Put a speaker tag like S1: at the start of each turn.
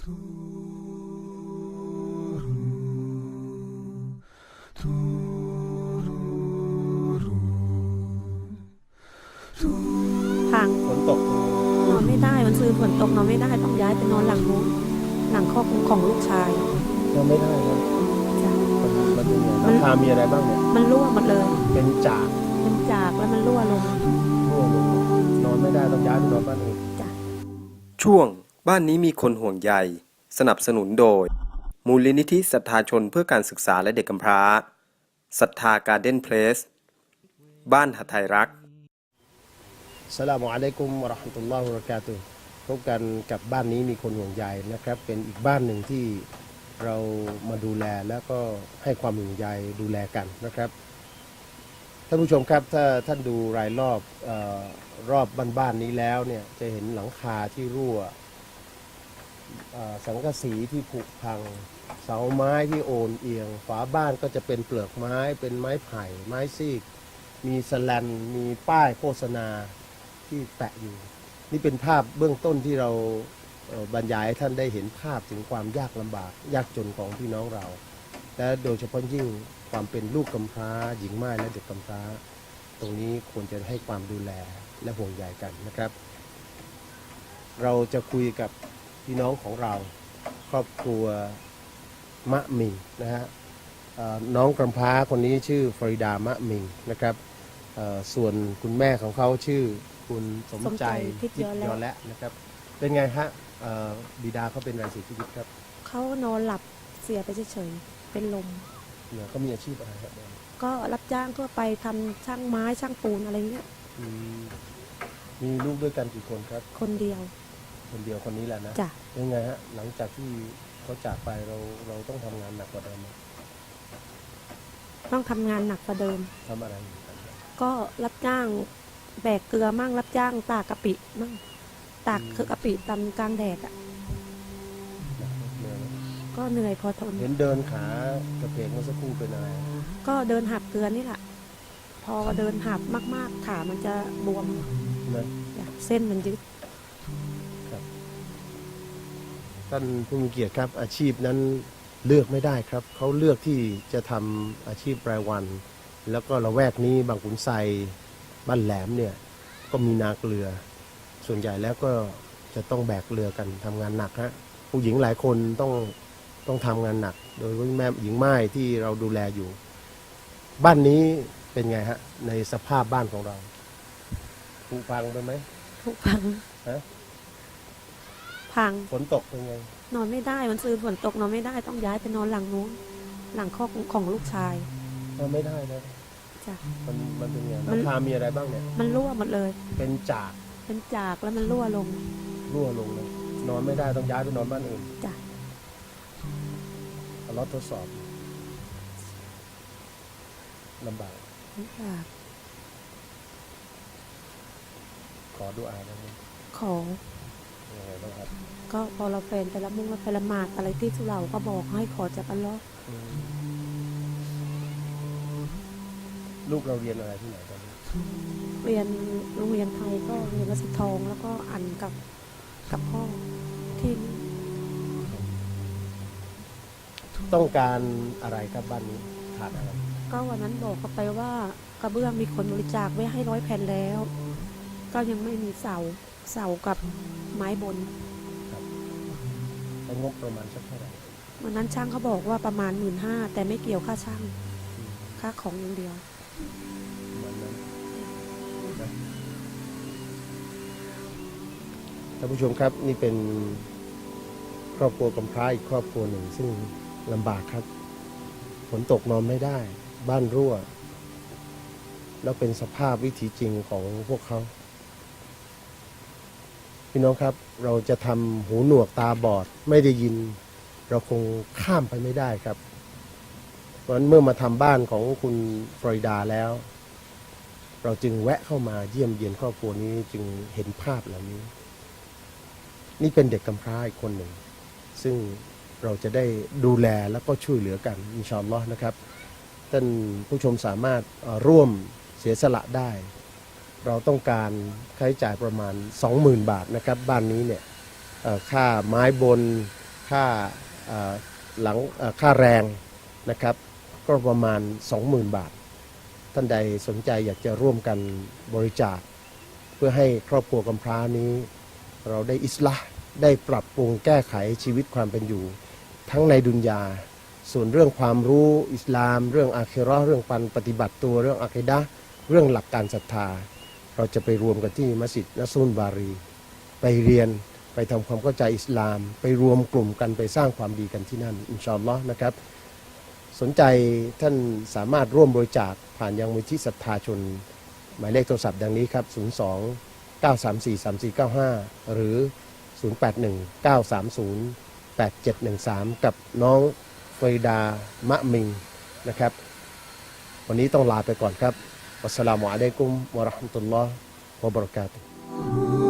S1: พัง
S2: ฝนตก
S1: นอนไม่ได้มันซื้อฝนตกนอนไม่ได้ต้องย้ายไปนอนหลังนู้นหลังครอบของลูกชาย
S2: นอนไม่ได้นะ
S1: จ้ะ
S2: มันเป็นไงหลังคามีอะไรบ้างเนี่ย
S1: มันรั่วหมดเลย
S2: เป็นจาก
S1: แล้วมันรั่วลง
S2: นอนไม่ได้ต้องย้ายไปนอนบ้านอื่น
S1: จ้ะ
S3: ช่วงบ้านนี้มีคนห่วงใยสนับสนุนโดยมูลนิธิศรัทธาชนเพื่อการศึกษาและเด็กกำพร้าศรัทธาการ์เด้นเพลสบ้านหทัยรัก
S2: อัสสลามุอะลัยกุมวะเราะห์มะตุลลอฮิวะบะเราะกาตุฮ์พบกันกับบ้านนี้มีคนห่วงใยนะครับเป็นอีกบ้านหนึ่งที่เรามาดูแลแล้วก็ให้ความห่วงใยดูแลกันนะครับท่านผู้ชมครับถ้าท่านดูรายรอบบ้านนี้แล้วเนี่ยจะเห็นหลังคาที่รั่วสังกะสีที่ผุพังเสาไม้ที่โอนเอียงฝาบ้านก็จะเป็นเปลือกไม้เป็นไม้ไผ่ไม้ซีกมีสแลนมีป้ายโฆษณาที่แปะอยู่นี่เป็นภาพเบื้องต้นที่เราบรรยายให้ท่านได้เห็นภาพถึงความยากลำบากยากจนของพี่น้องเราและโดยเฉพาะยิ่งความเป็นลูกกำพร้าหญิงม่ายและเด็กกำพร้าตรงนี้ควรจะให้ความดูแลและห่วงใยกันนะครับเราจะคุยกับพี่น้องของเราครอบครัวมะมิงนะฮะน้องกำพร้าคนนี้ชื่อฟริดามะมิงนะครับส่วนคุณแม่ของเขาชื่อคุณสมใจทิพย์ยอและนะครับเป็นไงฮะบิดาเขาเป็นอะไรเสียชีวิตครับ
S1: เขานอนหลับเสียไปเฉยๆเป็นลม
S2: เนี่ยเขามีอาชีพอะไรครับ
S1: ก็รับจ้างทั่วไปทำช่างไม้ช่างปูนอะไรเงี้ย
S2: มีลูกด้วยกันกี่คนครับ
S1: คนเดียว
S2: คนนี้แหละนะ
S1: จ้ะ
S2: เป็นไงฮะหลังจากที่เขาจากไปเราต้องทำงานหนักกว่าเดิมไหม
S1: ต้องทำงานหนักกว่าเดิม
S2: ทำอะไรอยู่กัน
S1: ก็รับจ้างแบกเกลือมั่งรับจ้างตากกะปิมั่งตากคือกะปิตำกลางแดดอ่ะก็เหนื่อยพอทน
S2: เห็นเดินขากระเพกเมื่อสักครู่เป็นอะไร
S1: ก็เดินหับเกลือนี่แหละพอเดินหับมากๆขามันจะบวมเส้นมันยึด
S2: ท่านผู้มีเกียรติครับอาชีพนั้นเลือกไม่ได้ครับเขาเลือกที่จะทำอาชีพรายวันแล้วก็ละแวกนี้บางขุนไซบ้านแหลมเนี่ยก็มีนาเกลือส่วนใหญ่แล้วก็จะต้องแบกเรือกันทำงานหนักฮะผู้หญิงหลายคนต้องทำงานหนักโดยแม่หญิงไม้ที่เราดูแลอยู่บ้านนี้เป็นไงฮะในสภาพบ้านของเราผุพังไปไหม
S1: ผุพัง
S2: ฮะ
S1: พัง
S2: ฝนตกเป็นไง
S1: นอนไม่ได้มันซื้อฝนตกนอนไม่ได้ต้องย้ายไปนอนหลังนู้นหลังครอบของลูกชาย
S2: นอนไม่ได้นะ
S1: จ้ะ
S2: มันเป็นไงหลังคามีอะไรบ้างเนี่ย
S1: มันรั่วหมดเลย
S2: เป็นจาก
S1: แล้วมันรั่วลง
S2: เลยนอนไม่ได้ต้องย้ายไปนอนบ้านอื่น
S1: จ้ะ
S2: รถทดสอบลำบากขอดูอาได้ไหม
S1: ขอ
S2: ยังไงบ้างครับ
S1: ก็พอเราแฟนไปละมุ่งไปละหมาดอะไรที่สุเหร่าก็บอกให้ขอจากอัลเลาะห์
S2: ลูกเราเรียนอะไรที่ไหนตอนนี้
S1: เรียนโรงเรียนไทยก็เรียนวัดสิทองแล้วก็อ่านกับพ่อที่
S2: ต้องการอะไรครับบ้านนี้ขาดอะไร
S1: ก็วันนั้นบอกเขาไปว่ากระเบื้องมีคนบริจาคไว้ให้100 แผ่นแล้วก็ยังไม่มีเสากับไม้บน
S2: งบประมาณสักเท่าไหร่
S1: วันนั้นช่างเขาบอกว่าประมาณ15,000แต่ไม่เกี่ยวค่าช่างค่าของอย่างเดียว
S2: ท่านผู้ชมครับนี่เป็นครอบครัวกำพร้าอีกครอบครัวหนึ่งซึ่งลำบากครับฝนตกนอนไม่ได้บ้านรั่วแล้วเป็นสภาพวิถีจริงของพวกเขาพี่น้องครับเราจะทำหูหนวกตาบอดไม่ได้ยินเราคงข้ามไปไม่ได้ครับเพราะฉะนั้นเมื่อมาทำบ้านของคุณฟลอริดาแล้วเราจึงแวะเข้ามาเยี่ยมเยียนครอบครัวนี้จึงเห็นภาพเหล่านี้นี่เป็นเด็กกำพร้าอีกคนหนึ่งซึ่งเราจะได้ดูแลแล้วก็ช่วยเหลือกันอินชาอัลลอฮ์นะครับท่านผู้ชมสามารถร่วมเสียสละได้เราต้องการค่าใช้จ่ายประมาณ 20,000 บาทนะครับบ้านนี้เนี่ยค่าไม้บนค่าหลังค่าแรงนะครับก็ประมาณ 20,000 บาท ท่านใดสนใจอยากจะร่วมกันบริจาคเพื่อให้ครอบครัวกำพร้านี้ เราได้อิสลาห์ได้ปรับปรุงแก้ไขชีวิตความเป็นอยู่ ทั้งในดุนยาส่วนเรื่องความรู้อิสลาม เรื่องอาคิเราะห์เรื่องการปฏิบัติตัวเรื่องอะกีดะห์เรื่องหลักการศรัทธา เราจะไปรวมกันที่มัสยิดนัสรุลบารีไปเรียนไปทำความเข้าใจอิสลาม ไปรวมกลุ่มกันไปสร้างความดีกันที่นั่นอินชาอัลลอฮ์นะครับสนใจท่านสามารถร่วมบริจาคผ่านยังมูลที่ศรัทธาชนหมายเลขโทรศัพท์ดังนี้ครับ02 934 3495 หรือ 081 930 8713 กับน้องฟริดามะมิงนะครับวันนี้ต้องลาไปก่อนครับวัสสลามุอะลัยกุมวะเราะห์มะตุลลอฮ์วะบะเราะกาตุฮ์